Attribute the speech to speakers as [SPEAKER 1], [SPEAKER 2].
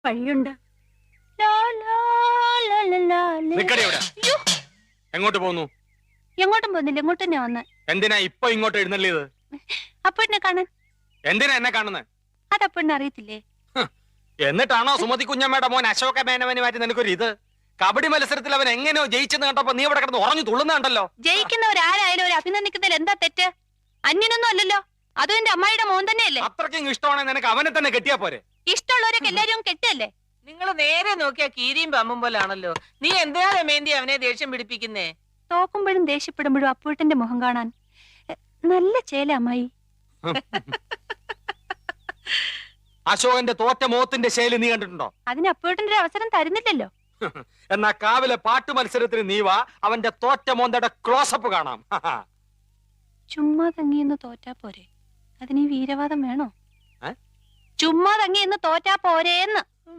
[SPEAKER 1] വഴിയുണ്ട്. ലാ, ലാ, ലാ, ലാ, ലാ, ലേ.
[SPEAKER 2] നിക്കടി അവിടെ.
[SPEAKER 1] അയ്യോ,
[SPEAKER 2] എങ്ങോട്ട് പോകുന്നു?
[SPEAKER 1] എങ്ങോട്ടും പോകുന്നില്ല, ഇങ്ങോട്ട് തന്നെ വന്ന്.
[SPEAKER 2] എന്തിനാ ഇപ്പൊ ഇങ്ങോട്ട് എഴുന്നള്ളിയത്?
[SPEAKER 1] അപ്പഴിനെ കാണാൻ.
[SPEAKER 2] എന്തിനാ എന്നെ കാണുന്നത്?
[SPEAKER 1] അതപ്പഴിനെ അറിയത്തില്ലേ?
[SPEAKER 2] എന്നിട്ടാണോ സുമതി കുഞ്ഞമ്മയുടെ മോൻ അശോക മേനവന് മാറ്റി നിനക്കൊരു ഇത്? കബഡി മത്സരത്തിൽ അവൻ എങ്ങനെയോ ജയിച്ചെന്ന് കണ്ടപ്പോ നീ ഇവിടെ കിടന്ന് ഉറഞ്ഞു തുള്ളുന്നുണ്ടല്ലോ.
[SPEAKER 1] ജയിക്കുന്നവരാരായാലും ഒരു അഭിനന്ദിക്കുന്നതിൽ എന്താ തെറ്റ്? അന്യനൊന്നും അല്ലല്ലോ, അതും എന്റെ അമ്മായിയുടെ മോൻ തന്നെയല്ലേ.
[SPEAKER 2] അത്രയ്ക്കും ഇഷ്ടമാണെങ്കിൽ നിനക്ക് അവനെ തന്നെ കെട്ടിയാ പോരെ?
[SPEAKER 1] ഇഷ്ടമുള്ളവരൊക്കെ എല്ലാരും കെട്ടല്ലേ.
[SPEAKER 3] നിങ്ങൾ നേരെ നോക്കിയാ കീരിയും പമ്പും പോലാണല്ലോ. നീ എന്തിനാ രമേന്തി അവനെ ദേഷ്യം പിടിപ്പിക്കുന്നേ?
[SPEAKER 1] തോക്കുമ്പോഴും ദേഷ്യപ്പെടുമ്പോഴും അപ്പൂട്ടന്റെ മുഖം കാണാൻ നല്ല ചേല അമ്മായി.
[SPEAKER 2] അശോകന്റെ തോറ്റ മോത്തിന്റെ ശൈലി നീ കണ്ടിട്ടുണ്ടോ?
[SPEAKER 1] അതിന് അപ്പൂട്ടന്റെ ഒരു അവസരം തരുന്നില്ലല്ലോ.
[SPEAKER 2] എന്നാ കാവിലെ പാട്ട് മത്സരത്തിന് നീ വാ, അവന്റെ തോറ്റ മോന്തയുടെ ക്ലോസപ്പ് കാണാം.
[SPEAKER 1] ചുമ്മാ തങ്ങിയെന്ന് തോറ്റാ പോരെ, അതിന് ഈ വീരവാദം വേണോ?
[SPEAKER 2] ഏ?
[SPEAKER 1] ചുമ്മാ തങ്ങിയെന്ന് തോറ്റാ പോരേന്ന്.